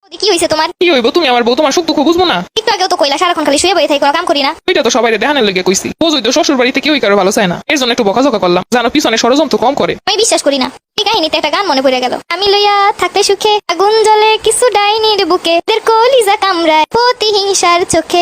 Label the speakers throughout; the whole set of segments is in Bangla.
Speaker 1: কি হইছে তোমার?
Speaker 2: কি হইব? তুমি আমার বউ, তোমার সুখ দুঃখ বুঝবো না?
Speaker 1: একটু আগেও তো কইলা সারাক্ষণ খালি শুয়ে বসে থাকি, কোনো কাম করি না।
Speaker 2: ওইটা তো সবাই দেখানোর লেগে কইছি। বোঝই তো শ্বশুর বাড়িতে কেউই কারো ভালো চায় না, এর জন্য একটু বকাঝকা করলাম, জানো পিছনে ষড়যন্ত্র কম করে।
Speaker 1: আমি বিশ্বাস করি না। এই কাহিনীতে একটা গান মনে পড়ে গেল। আমি লইয়া থাকতে সুখে আগুন জ্বলে কিছু ডাইনির বুকে, দের কলিজা কামড়ায় প্রতিহিংসার চোখে।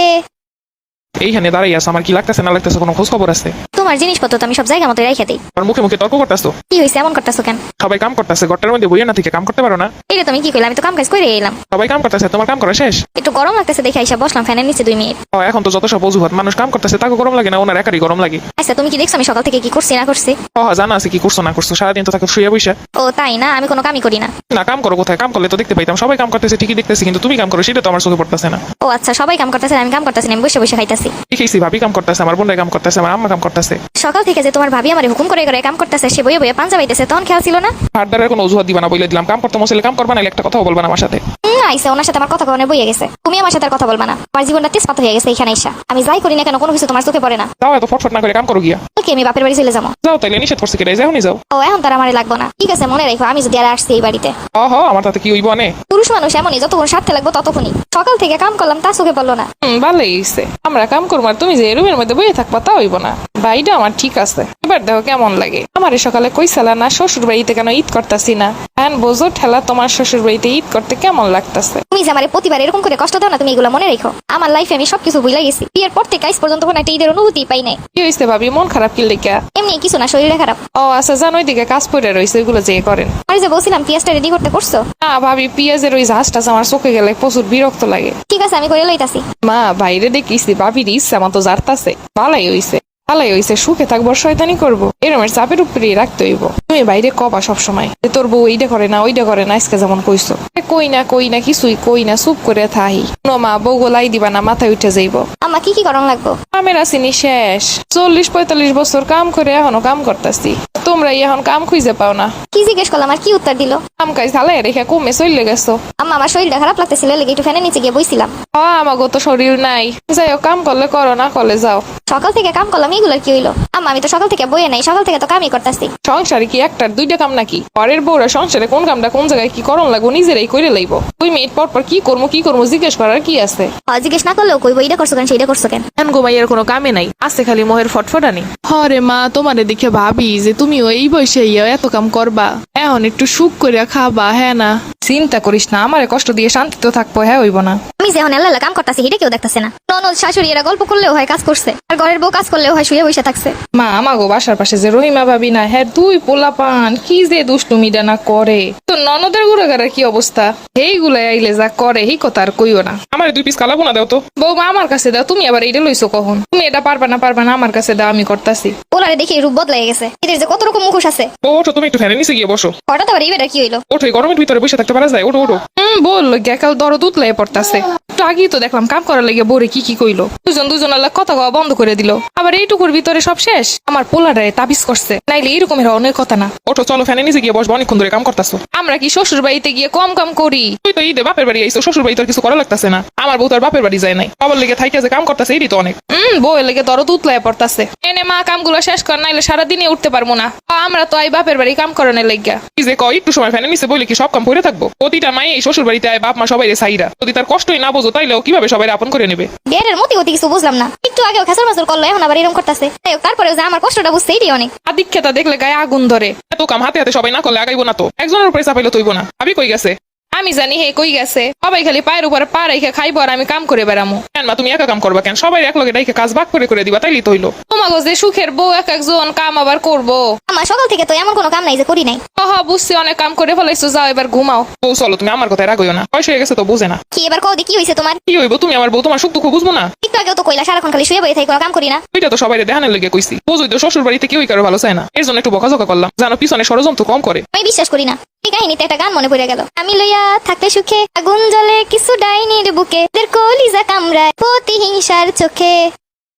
Speaker 2: এইখানে দাঁড়াই আছে, আমার কি লাগতেছে না লাগতেছে কোনো খোঁজ খবর আছে?
Speaker 1: তোমার জিনিসপত্র তো আমি সব জায়গা মতো রেখে দিই।
Speaker 2: আর মুখে মুখে তর্ক করতেছো।
Speaker 1: কি হয়েছে এমন করতেছো কেন?
Speaker 2: সবাই কাম করতেছে, ঘরটার মধ্যে বইয়ে না থেকে কাম করতে পারো না?
Speaker 1: এটা তুমি কি কইলা? আমি তো কাম কাজ করে এলাম।
Speaker 2: সবাই কাম করতেছে, তোমার কাম করা শেষ?
Speaker 1: একটু গরম লাগতেছে দেখে আইসা বসলাম ফ্যানের নিচে 2 মিনিট।
Speaker 2: এখন তো যত সব অজুহাত, মানুষ কাম করতেছে তাকে গরম লাগে না, ওনার একারই গরম লাগে।
Speaker 1: আচ্ছা তুমি কি দেখছো আমি সকাল থেকে কি করছি না করছি?
Speaker 2: জানা আছে কি করছো না করছো, সারাদিন তো তাকে শুয়ে বসে।
Speaker 1: ও তাই না? আমি কোনো কামই করি না।
Speaker 2: না কাম করো কোথায়? কাম করলে তো দেখতে পাইতাম, সবাই কাম করতেছে ঠিকই দেখতেছি, কিন্তু তুমি কাম করো সেটা তো আমার চোখে পড়তেছে না।
Speaker 1: ও আচ্ছা, সবাই কাম করতেছে, আমি কাম করতেছি না, আমি বসে বসে খাইতাছি।
Speaker 2: দেখেছি ভাবি কাম করতেছে, আমার বোনরাই কাম করতেছে, আমার আম্মা কাম করতেছে।
Speaker 1: সকাল থেকে যে তোমার ভাবি আমারে হুকুম করে করে কাম করতেছে, সে বইয়ে বইয়ে পাঞ্জা বাইতেছে, তখন খেয়াল ছিল না?
Speaker 2: হাটদারের কোনো অজুহাত দিবা না বলে দিলাম, কাম করতে মশলে কাম করবা না, একটা কথাও বলবা না আমার সাথে।
Speaker 1: আইসা ওনার সাথে আমার কথা কখনো বইয়ে গেছে, তুমি আমার সাথে আর কথা বলবা না। আমার জীবনটা তেজপাত হয়ে গেছে এখানে আইসা। আমি যাই করি না কেন কোনো কিছু তোমার চোখে পড়ে না।
Speaker 2: যাও এত ফটফট না করে কাম করো গিয়া।
Speaker 1: ওকে আমি বাপের বাড়ি চলে যাবো।
Speaker 2: যাও তাইলে, নিষেধ করছে কেটে যাও নি যাও।
Speaker 1: ও এখন তার আমারে লাগবো না, ঠিক আছে মনে রাখো আমি যদি আর আসছি এই বাড়িতে।
Speaker 2: আমার তাতে কি হইব অনে?
Speaker 1: পুরুষ মানুষ এমনই, যতক্ষণ স্বার্থে লাগবো ততক্ষণই। সকাল থেকে কাম করলাম তা চোখে পড়লো না।
Speaker 3: ভালোই হইছে, আমরা কাম করবো আর তুমি যে রুমের মধ্যে বইয়ে থাকবা তা হইব না। বাড়িটা আমার ঠিক আছে, এবার দেখো কেমন লাগে। আমার সকালে কইসালা না শ্বশুর বাড়িতে কেন ঈদ করতাছি না, এখন বোঝো ঠেলা তোমার শ্বশুর বাড়িতে ঈদ করতে কেমন লাগতাছে।
Speaker 1: তুমি যে আমারে প্রতিবার এরকম করে কষ্ট দাও না, তুমি এগুলো মনে রেখো। আমার লাইফে আমি সবকিছু ভুলে গেছি। বিয়ের পর থেকে আজ পর্যন্ত কোনো একটা ঈদের অনুভূতি পাই নাই।
Speaker 3: কি হইছে ভাবি, মন খারাপ কি লেখা?
Speaker 1: এমনি কিছু না, শরীরে খারাপ।
Speaker 3: ও আচ্ছা, জানো ওইদিকে কাজ পড়ে রয়েছে, ওইগুলো যে করেন।
Speaker 1: আমি যে বলছিলাম পেঁয়াজটা রেডি করতে করছো?
Speaker 3: না ভাবি, পেঁয়াজের ওই ঝাঁসটা আমার চোখে গেলে প্রচুর বিরক্ত লাগে।
Speaker 1: ঠিক আছে আমি করে লইতাছি।
Speaker 3: মা বাইরে দেখিছি ভাবির ইচ্ছা মতো জারতাছে, ভালাই হইছে। ভালাই হইছে, সুখে থাকবো শয়তানি করবো, এরমের চাপের উপরেই রাখতে হইব। তুমি বাইরে কবা সবসময় যে তোর বউ এইটা করে না ওইটা করে না, আজকে যেমন কইছো। কই না কিছুই কই না, চুপ করে থাহি। মা বউ গোলাই দিবা না, মাথায় উঠে যাইব।
Speaker 1: আমা কি কি করণ লাগবো?
Speaker 3: কামের আসিনি শেষ, 40-45 বছর কাম করে এখনো কাম করতাছি, তোমরা এখন কাম খুঁজে পাও না।
Speaker 1: কি জিজ্ঞেস করলাম আর কি উত্তর দিল?
Speaker 3: কাম কাজ হালাই রেখে কমে চলে গেছো।
Speaker 1: আম্মা আমার শরীরটা খারাপ লাগতেছিল, লেগে একটু ফ্যানের নিচে গিয়ে বইছিলাম।
Speaker 3: আমাগো তো শরীর নাই, যাই হোক কাম করলে করো, না করলে যাও।
Speaker 1: সকাল থেকে কাম করলাম, এগুলোর কি হইলো? আম্মা আমি তো সকাল থেকে বইয়ে নাই, সকাল থেকে তো কামই করতেছি।
Speaker 3: সংসারে কি একটার দুইটা কাম নাকি? পরের বউরা সংসারে কোন কামটা কোন জায়গায় কি করণ লাগবো নিজেরাই করে লইব। 2 মিনিট পর পর কি করবো জিজ্ঞেস করার কি আছে?
Speaker 1: জিজ্ঞেস না করলেও কইবো এটা করছো কেন সেইটা করছো কেন।
Speaker 3: এখন গোমাইয়ের কোনো কামে নাই, আছে খালি মোহের ফটফটানি।
Speaker 4: হরে মা, তোমারে দেখে ভাবি যে তুমিও এই বয়সে এত কাম করবা, এখন একটু সুখ করিয়া খাবা। হ্যাঁ না,
Speaker 3: চিন্তা করিস না, আমারে কষ্ট দিয়ে শান্তি তো থাকবো, হ্যাঁ হইব না।
Speaker 1: আমি যে এখন এল্লা কাম করতেছি এটা কেউ দেখতেছে না। ননদ শাশুড়ি এরা গল্প করলেও হয় কাজ করছে, আর ঘরের বউ কাজ করলেও হয় শুয়ে বসে থাকছে।
Speaker 3: মা আমাগো বাসার পাশে যে রহিমা ভাবি না, হ্যাঁ 2 পোলা পান কি যে দুষ্টুমিটা না করে। তো ননদের গুড়াগাড়ার কি অবস্থা, এইগুলাই আইলে যা করে এই কথা আর কইও না।
Speaker 2: আমার 2 পিস কালাবো না দাও তো।
Speaker 3: বৌমা আমার কাছে দাও, তুমি আবার এইটা লইছো কখন? তুমি এটা পারবা না আমার কাছে দাও, আমি করতাছি।
Speaker 1: ওনারে দেখে রূপ বদলাই গেছে, এদের যে কত রকম মুখোশ আছে।
Speaker 2: ওঠো, তুমি একটু ফ্যানের নিচে গিয়ে বসো।
Speaker 1: হঠাৎ আবার এই বেটা কি হইলো?
Speaker 2: ওঠো, এই গরমের ভিতরে বসে থাকতে পারা যায়? ওঠো ওঠো।
Speaker 3: বললো গেকাল দরদ উতলাই পড়তাছে। একটু আগেই তো দেখলাম কাম করার লেগে বোরে কি কইলো। দুজন আল্লাহ কথা কওয়া বন্ধ করে দিল। আবার এইটুকুর ভিতরে সব শেষ, আমার পোলাটারে তাবিজ করছে, নাইলে এইরকমের অনেক কথা না।
Speaker 2: ওঠো চলো, ফ্যানের নিচে গিয়ে বসবো, অনেকক্ষণ ধরে কাম করতেছো।
Speaker 3: আমরা কি শ্বশুর বাড়িতে গিয়ে কম কাম করি?
Speaker 2: তুই তো ঈদে বাপের বাড়ি আইসো, শ্বশুর বাড়ি তোর কিছু করা লাগতেছে না। আমার বউ তার বাপের বাড়ি যায় নাই, বাবার লেগে থাইকে যে কাম করতেছে এটি তো অনেক।
Speaker 3: বউয়ের লেগে দরদ উতলাই পড়তাছে। এনে মা কামগুলো শেষ কর, নাইলে সারাদিনে উঠতে পারবো না। আমরা তো আই বাপের বাড়ি কাম করানোর লেগা।
Speaker 2: কি যে কয়, একটু সময় ফ্যানের নিচে বলে কি সব কাম করে থাকবো? প্রতিটা মাই এই শ্বশুর বাড়িতে আয় বাপ মা সবাই সাইরা, যদি তার কষ্টই না বোঝো তাইলেও কিভাবে সবাই আপন করে নেবে?
Speaker 1: বিয়ের মতি গতি কিছু বুঝলাম না, একটু আগেও খেসার মাসুর করলো, এখন আবার এরকম করতেছে। তারপরে যে আমার কষ্টটা বুঝছে এটাই অনেক।
Speaker 3: আদিক্ষেতা দেখলে গায়ে আগুন ধরে।
Speaker 2: এত কাম হাতে হাতে সবাই না করলে আগাইবো না তো, একজনের উপরে চাপাইলে তৈব না। ভাবি কই গেছে?
Speaker 3: আমি জানি হে কই গেছে, সবাই খালি পায়ের উপরে পা রেখে খাইবো আর আমি কাম করে বেড়ামো।
Speaker 2: কেন মা, তুমি একা কাম করবা কেন? সবাই এক লগে ডাইকে কাজ ভাগ করে দিবা, তাইলেই তো হইলো।
Speaker 3: তোমাগো যে সুখের বউ এক একজন কাম আবার করবো।
Speaker 1: আমার সকাল থেকে তো এমন কোনো কাম নাই যে করি নাই।
Speaker 3: বুঝছি, অনেক কাম করে ফেলাইছো, যাও এবার ঘুমাও।
Speaker 2: বউ চলো, তুমি আমার কথায় রাগইও না, বয়স হয়ে গেছে তো বুঝে না।
Speaker 1: কি এবার কদি কি হইছে তোমার?
Speaker 2: কি হইব? তুমি আমার বউ, তোমার সুখ দুঃখ বুঝবো না?
Speaker 1: একটু আগেও তো কইলা সারাক্ষণ খালি শুয়ে বসে থাকি, কোনো কাম করি না।
Speaker 2: ওইটা তো সবাই দেখানোর লেগে কইছি। বোঝই তো শ্বশুর বাড়িতে কেউই কারো ভালো চায় না, এর জন্য একটু বকাঝকা করলাম, জানো পিছনে ষড়যন্ত্র কম করে।
Speaker 1: আমি বিশ্বাস করি না। এই কাহিনীতে একটা গান মনে পড়ে গেল। আমি লইয়া থাকতে সুখে আগুন জ্বলে কিছু ডাইনির বুকে, দের কলিজা কামড়ায় প্রতিহিংসার চোখে।